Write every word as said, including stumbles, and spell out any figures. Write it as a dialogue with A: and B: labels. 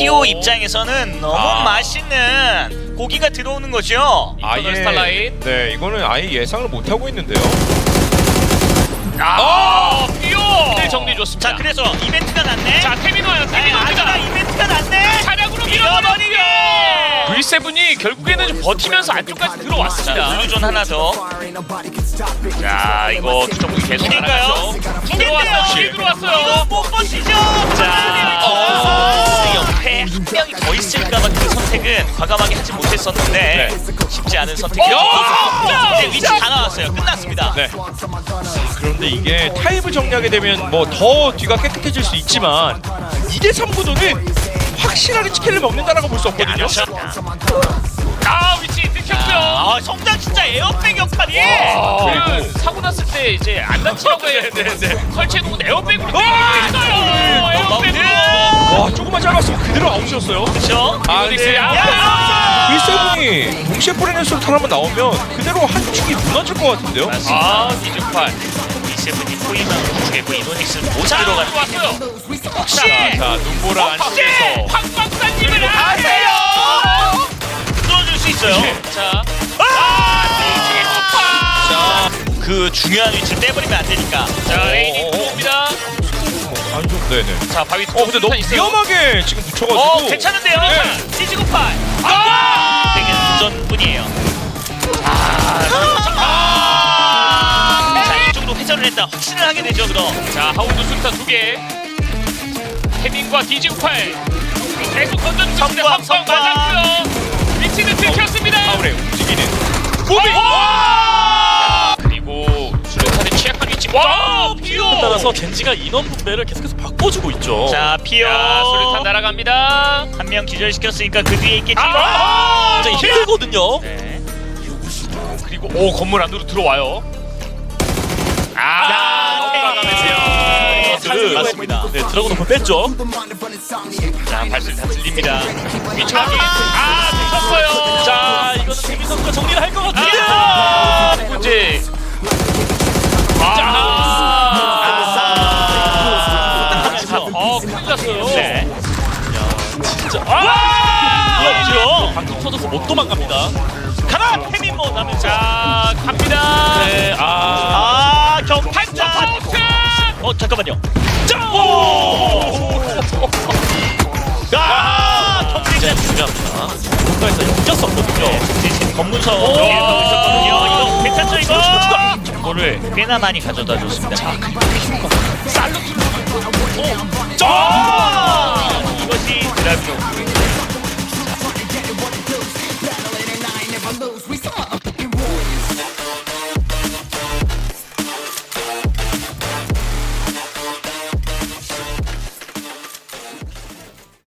A: 피오 입장에서는 너무
B: 아.
A: 맛있는 고기가 들어오는 거죠.
B: 아예
C: 스타라인.
B: 네, 이거는 아예 예상을 못 하고 있는데요.
C: 아, 피오! 네, 정리 좋습니다.
A: 자, 그래서 이벤트가 났네.
C: 자, 태민호요, 태민호입니다.
A: 아주가 이벤트가 났네.
C: 차량으로 밀어버리게! 브이 세븐이 결국에는 좀 버티면서 안쪽까지 들어왔습니다.
A: 블루존 하나 더.
C: 자, 이거 투정국이 계속
A: 두개인가요?
C: 나가죠.
A: 두
C: 들어왔어요,
A: 개인데요.
C: 길 들어왔어요.
A: 이거 못 버티죠.
C: 자,
A: 어, 옆에 한 명이 더 있을까봐 그 선택은 과감하게 하지 못했었는데 쉽지 않은 선택이죠.
C: 어!
A: 이제 위치 다 나왔어요. 끝났습니다.
B: 네. 그런데 이게 타입을 정리하게 되면 뭐 더 뒤가 깨끗해질 수 있지만 이 대 삼 구도는 확실하게 치킨을 먹는다라고 볼 수 없거든요.
C: 아, 위치 들켰고요.
A: 아, 성장 진짜 에어백 역할이.
C: 그리고 사고 났을 때 이제 안 다치라고 해야 되는데 설치해놓은 에어백으로
B: 아!
C: 때렸어요. 에어백으로.
B: 와, 조금만 짧았으면 그대로 아웃이었어요.
A: 그렇죠.
B: 아,
C: 이노닉스.
B: 근데
C: 야!
B: 브이세븐이 동시에 뿌리는 수류탄 한번 나오면 그대로 한 축이 무너질 것 같은데요.
C: 아, 이즈팔.
A: 이세븐이 포위망 주겠고 이노닉스는 못
C: 자,
A: 들어가는.
C: 들어왔어요. 혹시
B: 자, 눈보라
C: 혹시
B: 안쪽에서
C: 황 박사님을
A: 그리고
C: 아세요?
A: 뚫어줄 수 있어요.
C: 자, 아,
B: 자,
A: 그 중요한 위치를 떼버리면 안 되니까.
C: 자, 레인이 들어옵니다.
B: 안 좋. 네네.
C: 자, 바위
B: 어, 근데 너무
C: 있어요.
B: 위험하게 지금 붙여가지고.
A: 어, 괜찮은데요?
B: 네.
A: 디지고팔.
C: 아!
A: 되게 운전뿐이에요. 자, 이쪽으로 회전을 했다. 확신을 하게 되죠, 그럼.
C: 자, 하운드 수류탄 두 개. 케빈과 디지구팔 계속 던져주고 있는데
A: 성광,
C: 황광
A: 성광.
C: 맞았고요. 위치는 들켰습니다.
B: 파울에 움직이는.
C: 무빙. 와! 그리고 수류탄에 취약한 위치. 와, 피오.
D: 따라서 젠지가 인원 분배를 계속해서 바꿔주고 있죠.
A: 자, 피오.
C: 자, 수류탄 날아갑니다.
A: 한 명 기절시켰으니까 그 뒤에 있겠지.
C: 아!
D: 굉장히 힘들거든요.
A: 네.
C: 그리고 오, 건물 안으로 들어와요. 아, 넘어가면서요.
D: 그
A: 맞습니다.
D: 네, 드라곤 오픈 뺐죠.
A: 자, 발소리 다 들립니다.
C: 위치 확인. 아, 들켰어요.
D: 자, 이거는 재민 선수가 정리를 할 것 같은데요.
C: 아, 문제. 아,
D: 아,
C: 어, 큰일 났어요.
A: 네.
D: 진짜.
C: 아!
A: 그렇죠.
D: 방금 터져서 못 도망갑니다.
A: 가라! 페민모 나면서.
C: 자, 갑니다.
D: 네, 아,
A: 아, 경탄자.
C: 파이터!
A: 어, 잠깐만요. 자! 오! 아,
D: 굉장히
A: 경쟁자.
D: 중요합니다. 국가에서 역겼었거든요.
A: 대신 검문서 뒤에 가고 있었거든요. 이거 괜찮죠, 이거? 정보를 꽤나 많이 가져다 줬습니다. 자,
C: 살로
A: 아! 이것이 드라비로.